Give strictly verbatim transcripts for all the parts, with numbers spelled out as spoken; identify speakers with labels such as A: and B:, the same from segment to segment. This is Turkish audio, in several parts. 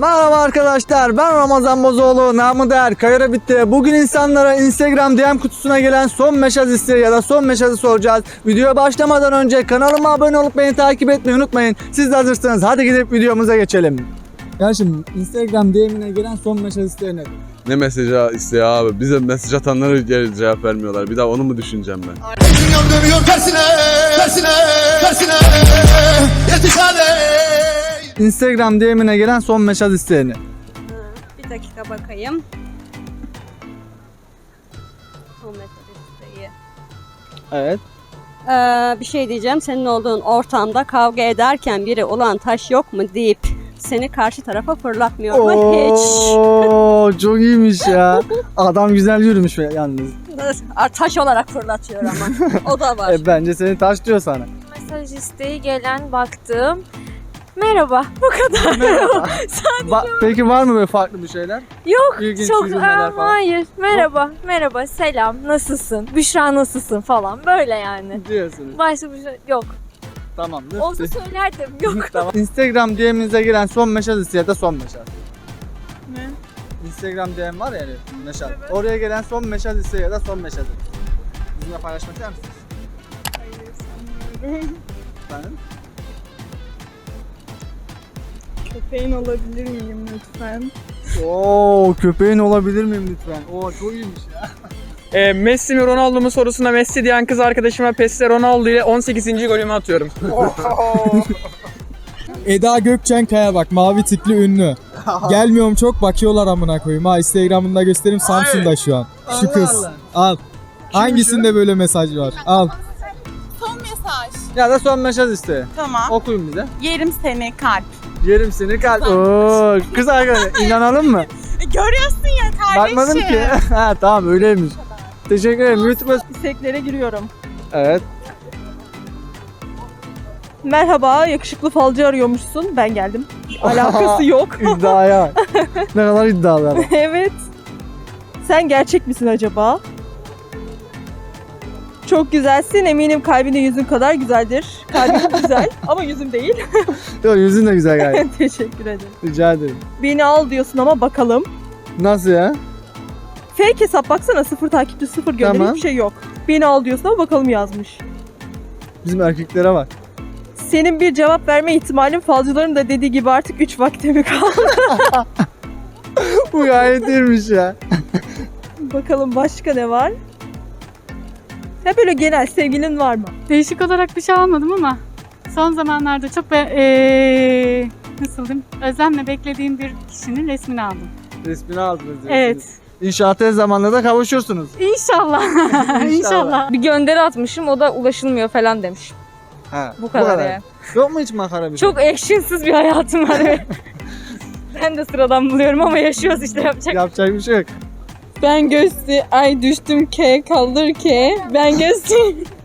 A: Merhaba arkadaşlar, ben Ramazan Bozoğlu, namı değer Kayra Bitti. Bugün insanlara Instagram D M kutusuna gelen son mesaj isteği ya da son mesajı soracağız. Videoya başlamadan önce kanalıma abone olup beni takip etmeyi unutmayın. Siz de hazırsanız hadi gidip videomuza geçelim. Ya şimdi Instagram D M'ine gelen son mesaj isteği nedir?
B: Ne mesajı istiyor abi? Bize mesaj atanlara geri cevap vermiyorlar. Bir daha onu mu düşüneceğim ben?
A: Instagram D M'ine gelen son mesaj isteğini.
C: Bir dakika bakayım. Son mesaj isteği.
A: Evet.
C: Ee, bir şey diyeceğim. Senin olduğun ortamda kavga ederken biri "ulan taş yok mu" deyip seni karşı tarafa fırlatmıyor mu hiç?
A: Oo, çok iyiymiş ya. Adam güzel yürümüş yalnız.
C: Taş olarak fırlatıyor ama. O da var.
A: E, bence seni taş diyor sana.
D: Mesaj isteği gelen baktım. Merhaba. Bu kadar.
A: Merhaba.
D: Sadece
A: Ba- Peki var mı böyle farklı bir şeyler?
D: yok.
A: İlginç
D: Çok
A: yürümeler
D: Aa,
A: falan.
D: hayır. Merhaba. Merhaba. Selam. Nasılsın? Büşra nasılsın falan. Böyle yani.
A: Diyorsunuz.
D: Başka bir şey yok.
A: Tamamdır.
D: Olsa söylerdim. Yok.
A: Tamam. Instagram D M'inize giren son mesaj isteği ya da son mesaj.
D: Ne?
A: Instagram D M var ya yani mesaj. Oraya gelen son mesaj isteği ya da son mesajı. Bizimle paylaşmak ister misiniz?
D: Hayır sanmıyorum.
A: Efendim?
D: Köpeğin olabilir miyim lütfen?
A: Oo, köpeğin olabilir miyim lütfen? Oo, çok iyiymiş ya.
E: E, Messi mi Ronaldo mu sorusuna Messi diyen kız arkadaşıma Peste Ronaldo ile on sekizinci golümü atıyorum.
F: Eda Gökçen Kaya bak, mavi tikli ünlü. Gelmiyorum çok, bakıyorlar amına koyayım. Ha, Instagram'ında göstereyim, Samsun'da şu an. Şu
A: Allah
F: kız.
A: Allah.
F: Al. Hangisinde böyle mesaj var? Al.
G: Son mesaj.
A: Ya da son mesaj isteği.
G: Tamam.
A: Okuyun bize.
G: Yerim seni kalp.
A: Yerim seni kalp. Oo, kız arkadaş inanalım mı?
G: E, görüyorsun ya kardeşim.
A: Bakmadım ki. Ha tamam öyleymiş. Teşekkür ederim. YouTube'a...
H: İsteklere giriyorum.
A: Evet.
H: Merhaba, yakışıklı falcı arıyormuşsun. Ben geldim. Alakası yok.
A: İddiaya. Ne kadar iddialı ama.
H: Evet. Sen gerçek misin acaba? Çok güzelsin. Eminim kalbin de yüzün kadar güzeldir. Kalbin güzel ama yüzüm değil.
A: Yok yüzün de güzel gayet.
H: Teşekkür ederim.
A: Rica ederim.
H: Beni al diyorsun ama bakalım.
A: Nasıl ya?
H: Fake hesap baksana, sıfır takipçi, sıfır gönderi,
A: Tamam.
H: hiçbir şey yok. Beni al diyorsun ama bakalım yazmış.
A: Bizim erkeklere bak.
H: Senin bir cevap verme ihtimalin falcıların da dediği gibi artık üç vakte mi kaldı?
A: Bu gayet iyiymiş ya.
H: Bakalım başka ne var? Ya böyle genel sevgilin var mı?
I: Değişik olarak bir şey almadım ama son zamanlarda çok be, ee, nasıl diyeyim, özlemle beklediğim bir kişinin resmini aldım.
A: Resmini aldınız diyorsunuz.
I: Evet.
A: İnşaat tez zamanda da kavuşursunuz.
I: İnşallah. İnşallah.
D: Bir gönderi atmışım, o da ulaşılmıyor falan demiş.
A: Ha,
D: Bu kadar yani.
A: Yok mu hiç makara bir şey?
D: Çok action'sız bir hayatım var. Ben de sıradan buluyorum ama yaşıyoruz işte, yapacak.
A: Yapacak bir şey yok.
H: Ben göğsü ay düştüm ke kaldır ke. Ben göğsü.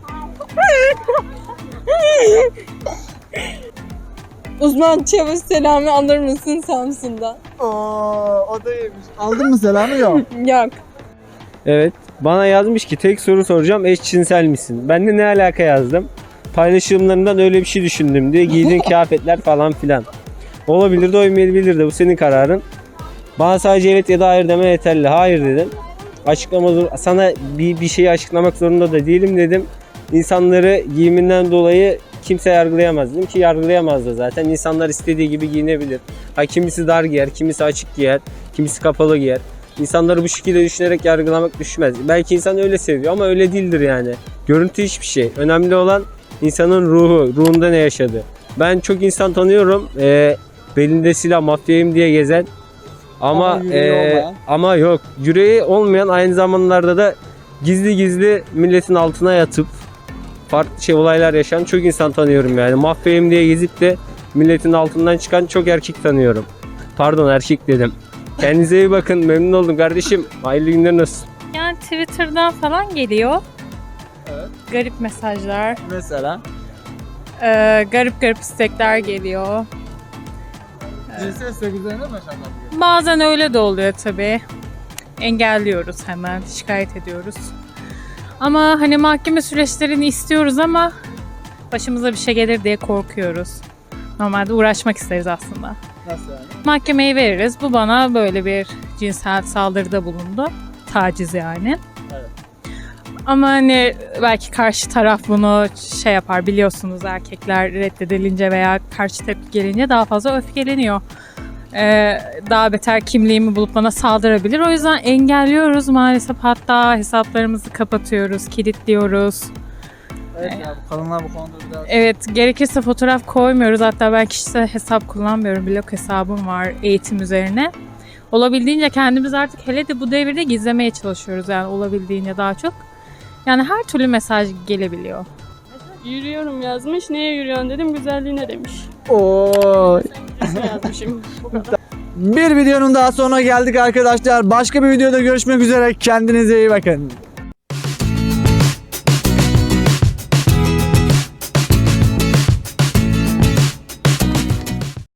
H: Uzman Çavuş Selami alır mısın Samsun'da?
A: Oo, o da iyiymiş. Aldın mı selamı? Yok.
H: Yok.
J: Evet. Bana yazmış ki tek soru soracağım, eşcinsel misin? Ben de ne alaka yazdım. Paylaşımlarından öyle bir şey düşündüm diye, giydiğin kıyafetler falan filan. Olabilir de olmayabilir de, bu senin kararın. Bana sadece evet ya da hayır deme yeterli. Hayır dedim. Açıklama zor, sana bir, bir şeyi açıklamak zorunda da değilim dedim. İnsanları giyiminden dolayı kimse yargılayamaz dedim ki yargılayamaz da zaten. İnsanlar istediği gibi giyinebilir. Ha, kimisi dar giyer, kimisi açık giyer, kimisi kapalı giyer. İnsanları bu şekilde düşünerek yargılamak düşmez. Belki insan öyle seviyor ama öyle değildir yani. Görüntü hiçbir şey. Önemli olan insanın ruhu, ruhunda ne yaşadı. Ben çok insan tanıyorum. Ee, belinde silah, mafyayım diye gezen. Ama
A: Ama yüreği
J: ee,
A: olmayan.
J: ama yok. Yüreği olmayan, aynı zamanlarda da gizli gizli milletin altına yatıp farklı şey olaylar yaşayan çok insan tanıyorum yani. Mafyayım diye gezip de milletin altından çıkan çok erkek tanıyorum. Pardon, erkek dedim. Kendinize iyi bakın. Memnun oldum kardeşim. Hayırlı günler olsun.
I: Yani Twitter'dan falan geliyor.
A: Evet.
I: Garip mesajlar,
A: Mesela.
I: ee, garip garip istekler geliyor.
A: Cinsel istek üzerine mi yaşanmak?
I: Bazen öyle de oluyor tabii. Engelliyoruz hemen, şikayet ediyoruz. Ama hani mahkeme süreçlerini istiyoruz ama başımıza bir şey gelir diye korkuyoruz. Normalde uğraşmak isteriz aslında.
A: Nasıl yani?
I: Mahkemeyi veririz. Bu bana böyle bir cinsel saldırıda bulundu. Taciz yani.
A: Evet.
I: Ama hani belki karşı taraf bunu şey yapar, biliyorsunuz erkekler reddedilince veya karşı tepki gelince daha fazla öfkeleniyor. Ee, daha beter kimliğimi bulup bana saldırabilir. O yüzden engelliyoruz maalesef. Hatta hesaplarımızı kapatıyoruz, kilitliyoruz.
A: Evet ya bu kadınlar bu konuda biraz...
I: Evet, gerekirse fotoğraf koymuyoruz. Hatta ben kişisel hesap kullanmıyorum. Blog hesabım var eğitim üzerine. Olabildiğince kendimiz artık hele de bu devirde gizlemeye çalışıyoruz. Yani olabildiğince daha çok. Yani her türlü mesaj gelebiliyor.
C: Yürüyorum yazmış. Neye yürüyorsun dedim. Güzelliğine demiş.
A: Oo.
C: Yazmışım. Bu kadar.
A: Bir videonun daha sonuna geldik arkadaşlar. Başka bir videoda görüşmek üzere. Kendinize iyi bakın.